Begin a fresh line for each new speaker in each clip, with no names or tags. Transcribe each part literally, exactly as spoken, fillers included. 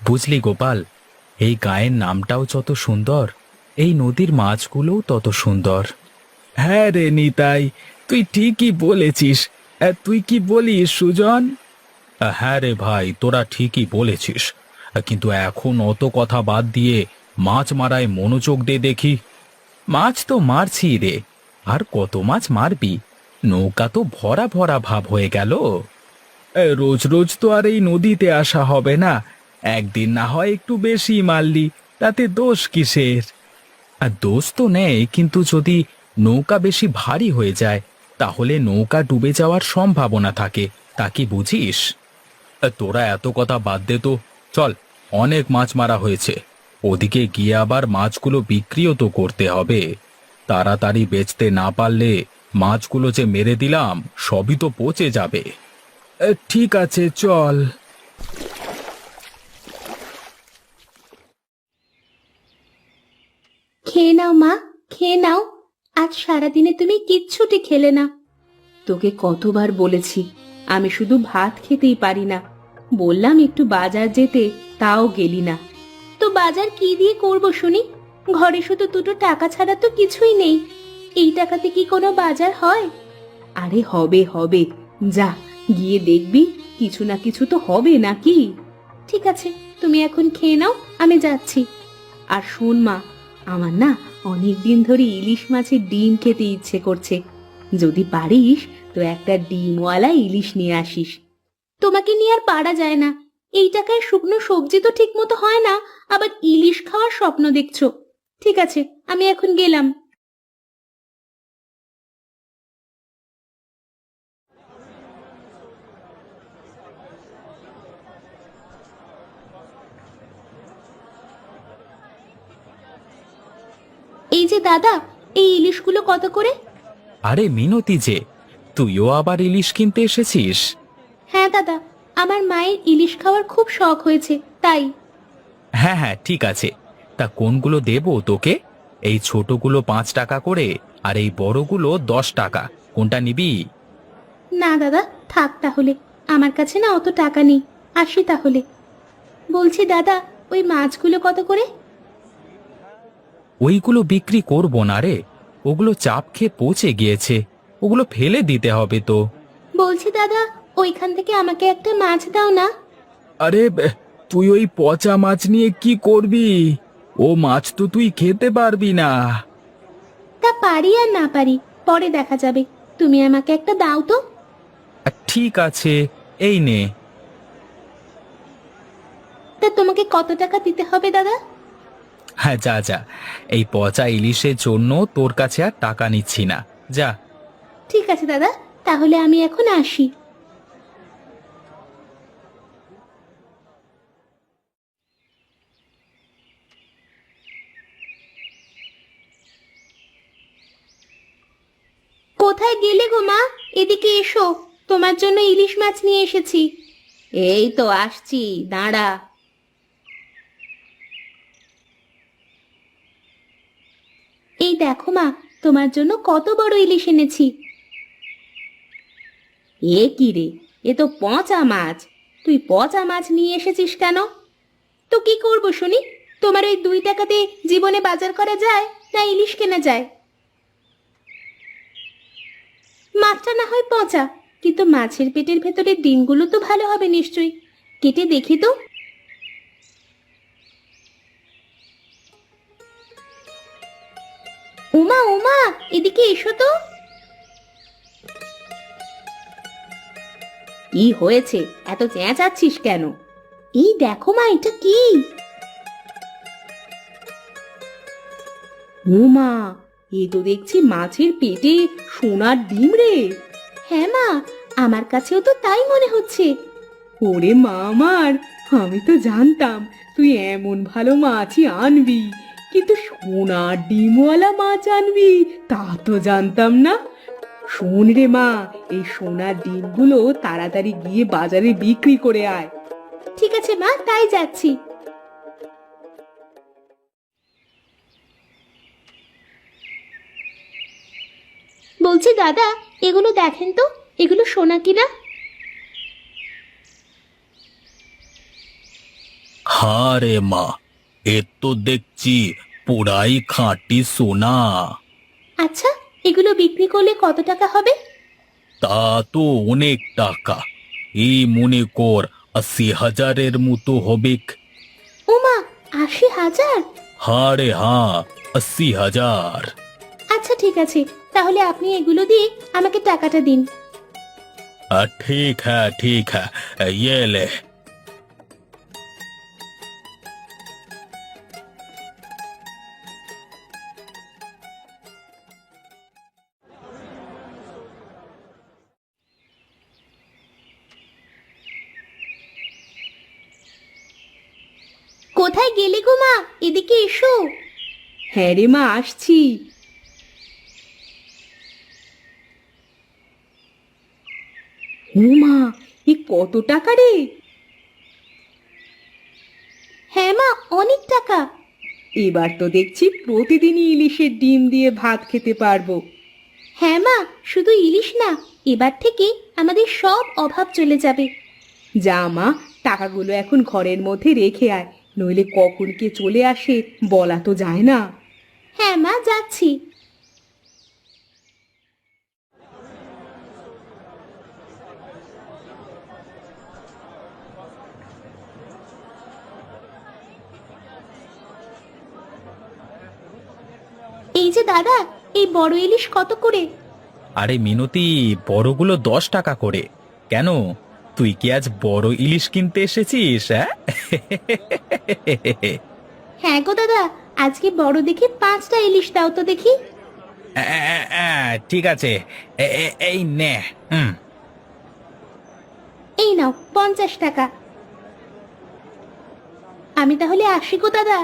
বুঝলি গোপাল, এই গায়ের নামটাও যত সুন্দর, এই নদীর মাছগুলোও তত সুন্দর। হ্যাঁ রে নিতাই, তুই ঠিকই বলেছিস। আহ, তুই কি বলিস সুজন? আহ, হ্যাঁ রে ভাই, তোরা ঠিকই বলেছিস। আহ, কিন্তু এখন অত কথা বাদ দিয়ে মাছ মারায় মনোযোগ দে দেখি। মাছ তো মারছি রে, আর কত মাছ মারবি? নৌকা তো ভরা ভরা ভাব হয়ে গেল। এ, রোজ রোজ তো আর এই নদীতে আসা হবে না। একদিন না হয় একটু বেশি মারলি, তাতে দোষ কিসের? আর দোষ তো নেই, কিন্তু যদি নৌকা বেশি ভারী হয়ে যায় তাহলে নৌকা ডুবে যাওয়ার সম্ভাবনা থাকে। তা কি বুঝিস? আ, তোরা এত কথা বাদ দে তো। চল, অনেক মাছ মারা হয়েছে, ওদিকে গিয়ে আবার মাছগুলো বিক্রিও তো করতে হবে। তাড়াতাড়ি বেচতে না পারলে মাছগুলো যে মেরে দিলাম সবই তো পচে যাবে। এ, ঠিক আছে, চল।
খেয়ে নাও মা, খেয়ে নাও। আজ সারাদিনে তুমি কিচ্ছুটি খেলে না। তোকে কতবার বলেছি আমি শুধু ভাত খেতেই পারি না। বললাম একটু বাজার যেতে, তাও গেলি না। তো বাজার কি দিয়ে করব শুনি? ঘরে শুধু দুটো টাকা ছাড়া তো কিছুই নেই। এই টাকাতে কি কোনো বাজার হয়? আরে হবে হবে, যা গিয়ে দেখবি কিছু না কিছু তো হবে নাকি। ঠিক আছে, তুমি এখন খেয়ে নাও, আমি যাচ্ছি। আর শোন মা, আমার না অনেক দিন ধরে ইলিশ মাছের ডিম খেতে ইচ্ছে করছে। যদি পারিস তো একটা ডিমওয়ালা ইলিশ নিয়ে আসিস। তোমাকে নিয়ে আর পারা যায় না। এই টাকায় শুকনো সবজি তো ঠিক মতো হয় না, আবার ইলিশ খাওয়ার স্বপ্ন দেখছো। ঠিক আছে, আমি এখন গেলাম। এই যে দাদা, এই ইলিশগুলো কত করে?
আরে মিনতি যে, তুইও আবার ইলিশ কিনতে এসেছিস?
হ্যাঁ দাদা, আমার মায়ের ইলিশ খাওয়ার খুব শখ হয়েছে, তাই।
হ্যাঁ হ্যাঁ, ঠিক আছে। তা কোনগুলো দেবো তোকে? এই ছোটগুলো পাঁচ টাকা করে, আর এই বড়গুলো দশ টাকা। কোনটা নিবি?
না দাদা, থাক তাহলে। আমার কাছে না অত টাকা নেই, আসি তাহলে। বলছি দাদা, ওই মাছগুলো কত করে?
ওইগুলো বিক্রি করবো না রে, ওগুলো চাপ খেয়ে পচে গিয়েছে, ওগুলো ফেলে দিতে হবে তো।
বলছি দাদা, ওইখান থেকে আমাকে একটা মাছ দাও না।
আরে বে, তুই ওই পচা মাছ নিয়ে কি করবি? ও মাছ তো তুই খেতে পারবি না।
তা পারি আর না পারি, পরে দেখা যাবে। তুমি আমাকে একটা দাও তো।
আহ, ঠিক আছে, এই নে।
তা তোমাকে কত টাকা দিতে হবে দাদা?
হ্যাঁ, যা যা, এই পচা ইলিশের জন্য তোর কাছে আর টাকা নিচ্ছি না, যা।
ঠিক আছে দাদা, তাহলে আমি এখন আসি। কোথায় গেলে গো মা? এদিকে এসো, তোমার জন্য ইলিশ মাছ নিয়ে এসেছি। এই তো আসছি, দাঁড়া। এই দেখো মা, তোমার জন্য কত বড় ইলিশ এনেছি। এ কি রে, এ তো পচা মাছ। তুই পচা মাছ নিয়ে এসেছিস কেন? তো কি করবো শুনি? তোমার ওই দুই টাকাতে জীবনে বাজার করা যায় না ইলিশ কেনা যায়? মাছটা না হয় পচা, কিন্তু মাছের পেটের ভেতরে ডিমগুলো তো ভালো হবে নিশ্চয়ই। কেটে দেখি তো। উমা উমা, এদিকে এসো তো। কি হয়েছে, এত চেঁচাচ্ছিস কেন? এই দেখো মা, এটা কি? উমা, এ তো দেখছি মাছের পেটে সোনার ডিম রে। হ্যাঁ মা, আমার কাছেও তো তাই মনে হচ্ছে। ওরে মা আমার, আমি তো জানতাম তুই এমন ভালো মাছই আনবি, কিন্তু সোনার ডিমওয়ালা মাছ আনবি তা তো জানতাম না। শোন রে মা, এই সোনার ডিমগুলো তাড়াতাড়ি গিয়ে বাজারে বিক্রি করে আয়। ঠিক আছে মা, তাই যাচ্ছি। বলছি দাদা, এগুলো দেখেন তো, এগুলো সোনা কিনা?
হ্যাঁ রে মা, এ তো দেখছি পুরাই খাঁটি সোনা।
আচ্ছা, এগুলো বিক্রি করলে কত টাকা হবে?
তা তো অনেক টাকা, এই মনে কর আশি হাজারের মতো হবে।
ওমা, আশি হাজার!
হ্যাঁ রে হ্যাঁ, আশি হাজার।
আচ্ছা ঠিক আছে, তাহলে আপনি এগুলো দিয়ে আমাকে টাকাটা দিন।
আ, ঠিক হ্যাঁ ঠিক হ্যাঁ, ये ले।
কোথায় গেলে গো মা? এদিকে এসো। হ্যাঁ রে মা, আসছি। ও মা, এ কত টাকা রে? হ্যাঁ মা, অনেক টাকা। এবার তো দেখছি প্রতিদিনই ইলিশের ডিম দিয়ে ভাত খেতে পারবো। হ্যাঁ মা, শুধু ইলিশ না, এবার থেকে আমাদের সব অভাব চলে যাবে। যা মা, টাকাগুলো এখন ঘরের মধ্যে রেখে আয়, নইলে কখন কে চলে আসে বলা তো যায় না। হ্যাঁ মা, যাচ্ছি। এই যে দাদা, এই বড় ইলিশ কত করে?
আরে মিনতি, বড়গুলো দশ টাকা করে। কেন, তুই কি আজ বড় ইলিশ কিনতে এসেছিস? হ্যাঁ
হ্যাঁ গো দাদা, আজকে বড় দেখে পাঁচটা ইলিশ দাও তো দেখি।
আ, আ, আ, ঠিক আছে, এ, এ, এই নে। হুম।
এই নাও পঞ্চাশ টাকা। আমি তাহলে আসি গো দাদা।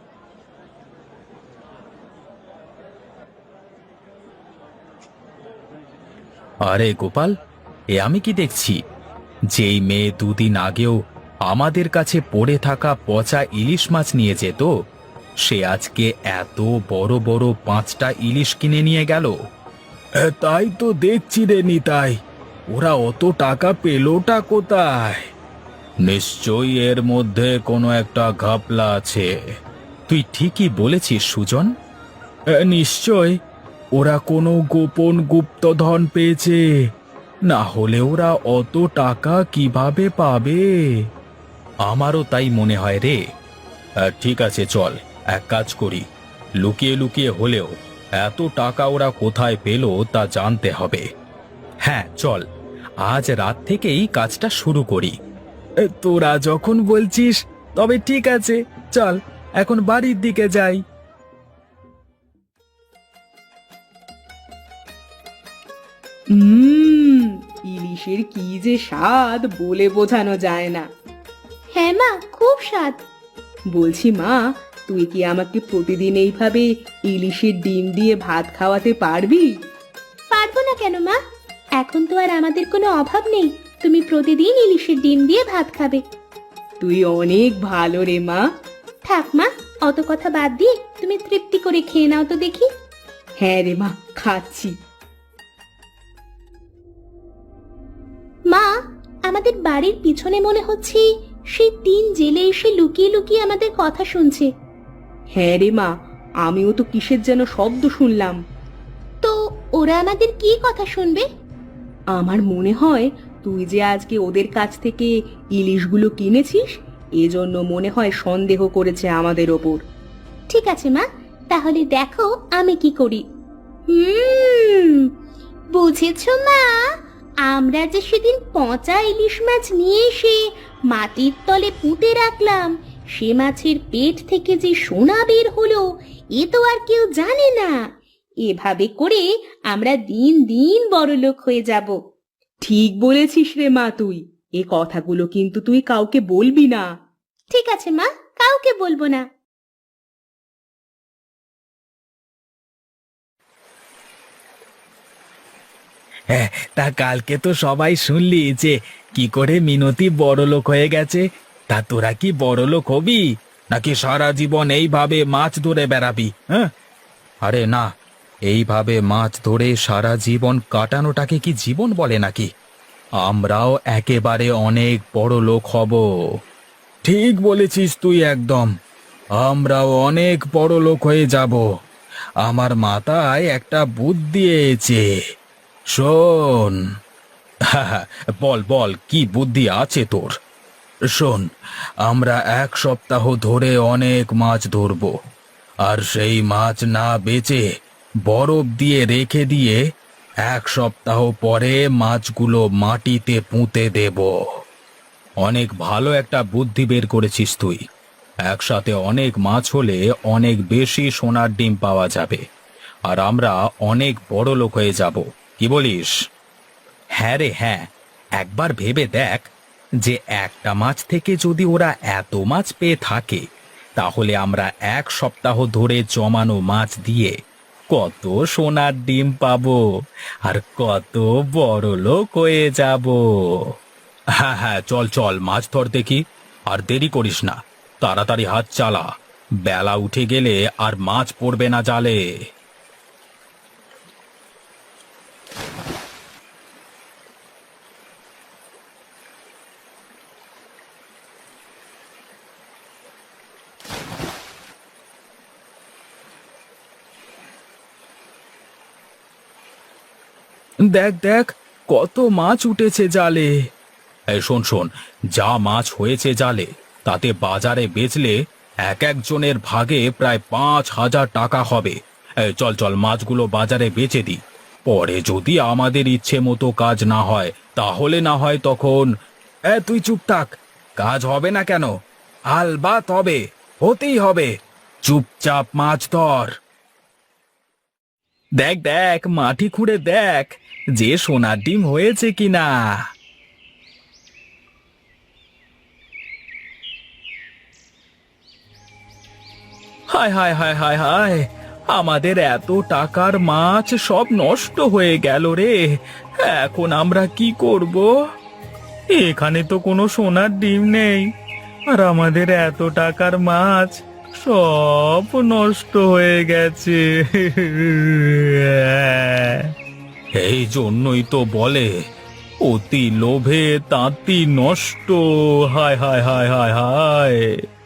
আরে গোপাল, এ আমি কি দেখছি? যেই মেয়ে দুদিন আগেও আমাদের কাছে পড়ে থাকা পচা ইলিশ মাছ নিয়ে যেত, সে আজকে এত বড় বড় পাঁচটা ইলিশ কিনে নিয়ে গেল। তাই তো দেখছি রে নিতাই, ওরা অত টাকা পেলোটা কোথায়? নিশ্চয়ই এর মধ্যে কোনো একটা ঘাপলা আছে। তুই ঠিকই বলেছিস সুজন, নিশ্চয় ওরা কোনো গোপন গুপ্তধন পেয়েছে, না হলে ওরা অত টাকা কিভাবে পাবে? আমারও তাই মনে হয় রে। আহ, ঠিক আছে, চল এক কাজ করি, লুকিয়ে লুকিয়ে হলেও এত টাকা ওরা কোথায় পেল তা জানতে হবে। হ্যাঁ চল, আজ রাত থেকেই কাজটা শুরু করি। তোরা যখন বলছিস তবে ঠিক আছে, চল এখন বাড়ির দিকে যাই।
হুম, ইলিশের কি যে স্বাদ বলে বোঝানো যায় না। হ্যাঁ মা, খুব স্বাদ। বলছি মা, তুই কি আমাকে প্রতিদিন এইভাবে ইলিশের ডিম দিয়ে ভাত খাওয়াতে পারবি? পারবো না কেন মা, এখন তো আর আমাদের কোনো অভাব নেই, তুমি প্রতিদিন ইলিশের ডিম দিয়ে ভাত খাবে। তুই অনেক ভালো রে মা। থাক মা, অত কথা বাদ দিয়ে তুমি তৃপ্তি করে খেয়ে নাও তো দেখি। হ্যাঁ রে মা, খাচ্ছি। মা, আমাদের বাড়ির পিছনে মনে হচ্ছে সেই তিন জেলে এসে লুকিয়ে লুকিয়ে আমাদের কথা শুনছে। হ্যাঁ রে মা, আমিও তো কিসের যেন শব্দ শুনলাম। তো ওরা আমাদের কি কথা শুনবে? আমার মনে হয় তুই যে আজকে ওদের কাছ থেকে ইলিশগুলো কিনেছিস, এজন্য মনে হয় সন্দেহ করেছে আমাদের ওপর। ঠিক আছে মা, তাহলে দেখো আমি কি করি। হুম, বুঝেছো মা, আমরা যে সেদিন পচা ইলিশ মাছ নিয়ে এসে মাটির তলে পুঁতে রাখলাম, সে মাছের পেট থেকে যে সোনা বের হলো এ তো আর কেউ জানে না। এভাবে করে আমরা দিন দিন বড়লোক হয়ে যাব। ঠিক বলেছিস রে মা তুই, এ কথাগুলো কিন্তু তুই কাউকে বলবি না। ঠিক আছে মা, কাউকে বলবো না।
হ্যাঁ, তা কালকে তো সবাই শুনলি যে কি করে মিনতি বড়লোক হয়ে গেছে। তা তোরা কি বড়লোক হবি, নাকি সারা জীবন এইভাবে মাছ ধরে বেড়াবি? হ্যাঁ, আরে না, এইভাবে মাছ ধরে সারা জীবন কাটানোটাকে কি জীবন বলে নাকি? আমরাও একেবারে অনেক বড় লোক হব। ঠিক বলেছিস তুই একদম। আমরাও অনেক বড় লোক হয়ে যাব। আমার মাথায় একটা বুদ্ধি এসেছে। শোন। বল বল, কি বুদ্ধি আছে তোর? শোন, আমরা এক সপ্তাহ ধরে অনেক মাছ ধরব, আর সেই মাছ না বেচে বরফ দিয়ে রেখে দিয়ে এক সপ্তাহ পরে মাছগুলো মাটিতে পুঁতে দেব। অনেক ভালো একটা বুদ্ধি বের করেছিস তুই। একসাথে অনেক মাছ হলে অনেক বেশি সোনার ডিম পাওয়া যাবে, আর আমরা অনেক বড় লোক হয়ে যাব। কি বলিস? হ্যাঁ রে হ্যাঁ, একবার ভেবে দেখ যে একটা মাছ থেকে যদি ওরা এত মাছ পেয়ে থাকে, তাহলে আমরা এক সপ্তাহ ধরে জমানো মাছ দিয়ে কত সোনার ডিম পাবো, আর কত বড় লোক হয়ে যাব। হ্যাঁ হ্যাঁ, চল চল মাছ ধর দেখি। আর দেরি করিস না, তাড়াতাড়ি হাত চালা। বেলা উঠে গেলে আর মাছ পড়বে না জালে। দেখ দেখ, কত মাছ উঠেছে জালে। এই শোন শোন, যা মাছ হয়েছে জালে তাতে বাজারে বেচলে এক একজনের ভাগে প্রায় পাঁচ হাজার টাকা হবে। এই চল চল, মাছগুলো বাজারে বেচে দিই। পরে যদি আমাদের ইচ্ছে মতো কাজ না হয়, তাহলে না হয় তখন। এ তুই চুপ থাক। কাজ হবে না কেন? আলবাত হবে, হতেই হবে। চুপচাপ মাছ ধর। দেখ দেখ, মাটি খুঁড়ে দেখ যে সোনার ডিম হয়েছে কিনা। হায় হায় হায় হায় হায়, আমাদের এত টাকার মাছ সব নষ্ট হয়ে গেল রে। এখন আমরা কি করব? এখানে তো কোনো সোনার ডিম নেই, আর আমাদের এত টাকার মাছ সব নষ্ট হয়ে গেছে। এই জন্যই তো বলে, অতি লোভে তাঁতি নষ্ট। হায় হায় হায় হায় হায়।